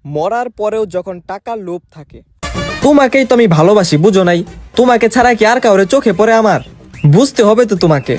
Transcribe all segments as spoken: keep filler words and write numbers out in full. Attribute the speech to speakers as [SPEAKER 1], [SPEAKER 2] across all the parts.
[SPEAKER 1] মরার পরেও যখন টাকার লোভ থাকে। তোমাকেই তো আমি ভালোবাসি, বুঝো নাই? তোমাকে ছাড়া কি আর কাউরে চোখে পড়ে আমার? বুঝতে হবে তো তোমাকে।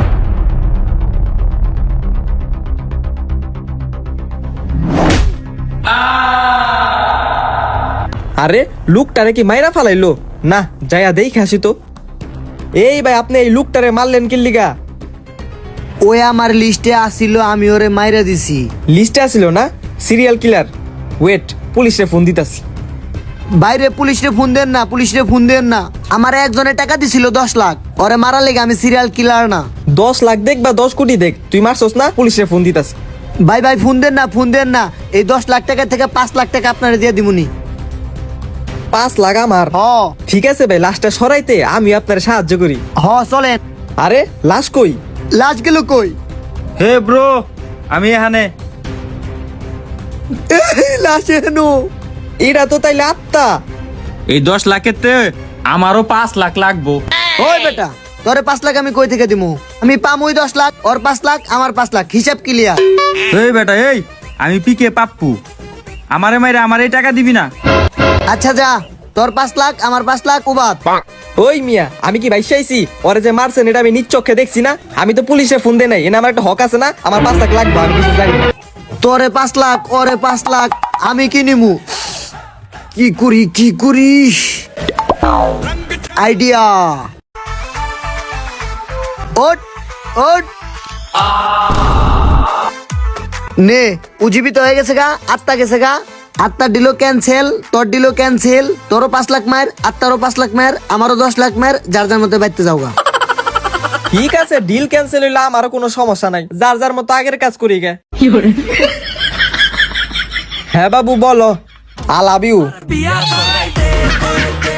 [SPEAKER 1] আরে লুকটারে কি মাইরা ফালাইলো? না, যাইয়া দেখে আসি তো। এই ভাই, আপনি এই লুকটারে মারলেন কি লিগা?
[SPEAKER 2] ওই আমার লিস্টে আসিল, আমি ওরে মাইরা দিছি।
[SPEAKER 1] লিস্টে আসিল না? Serial killer. ওয়েট, পুলিশে ফোন দিতাছি।
[SPEAKER 2] বাইরে পুলিশরে ফোন দেন না, পুলিশরে ফোন দেন না। আমার একজনে টাকা দিছিল দশ লাখ, ওরে মারা লেগে। আমি সিরিয়াল কিলার না।
[SPEAKER 1] দশ লাখ দেখ বা দশ কোটি দেখ, তুই মারছস না? পুলিশে ফোন দিতাছি।
[SPEAKER 2] ভাই ভাই ফোন দেন না, ফোন দেন না। এই দশ লাখ টাকা থেকে পাঁচ লাখ টাকা আপনারা দিয়ে দিমুনি।
[SPEAKER 1] পাঁচ লাখ আমার?
[SPEAKER 2] হ
[SPEAKER 1] ঠিক আছে ভাই, লাশটা সরাইতে আমি আপনার সাহায্য করি।
[SPEAKER 2] হ চলেন।
[SPEAKER 1] আরে লাশ কই?
[SPEAKER 2] লাশ গেল কই?
[SPEAKER 3] হে ব্রো, আমি এখানে।
[SPEAKER 2] লাশ এনো।
[SPEAKER 1] এটা তো তাইলে আত্মা।
[SPEAKER 3] এই দশ লাখের তে আমারও পাঁচ লাখ লাগবো।
[SPEAKER 2] ওই বেটা, তোরে পাঁচ লাখ আমি কই থেকে দিমু? আমি পামুই দশ লাখ, ওর পাঁচ লাখ, আমার পাঁচ লাখ, হিসাব ক্লিয়ার।
[SPEAKER 3] এই বেটা, এই আমি পিকে পাপ্পু, আমারে মাইরে আমার এই টাকা দিবি না?
[SPEAKER 2] আচ্ছা যা, তোর পাঁচ লাখ, আমার পাঁচ লাখ, উবাদ।
[SPEAKER 1] ওই মিয়া, আমি কি ভাই চাইছি? ওরে যে মারছেন এটা আমি নিজ চোখে দেখছি না। আমি তো পুলিশে ফোন দেই নাই, এনে আমার একটা হক আছে না? আমার পাঁচ লাখ লাগবে, আমি কিছু জানি না।
[SPEAKER 2] তোরে পাঁচ লাখ, ওরে পাঁচ লাখ, আমি কি নিমু? কি করি কি করি? আইডিয়া। ওট ওট নে, উজ্জীবিত হয়ে গেছে গা, আত্মা গেছে গা। আত্মার ডিলো ক্যান্সেল, তোর ডিলো ক্যান্সেল। তোরও পাঁচ লাখ মায়ের, আত্মারও পাঁচ লাখ মায়ের, আমারও দশ লাখ মায়ের। যার যার মধ্যে বাইতে যাও গা।
[SPEAKER 1] ঠিক আছে, ডিল ক্যান্সেল হইলে আমারও কোনো সমস্যা নাই। যার যার মতো আগের কাজ করি গে। হ্যাঁ বাবু বলো। I love you.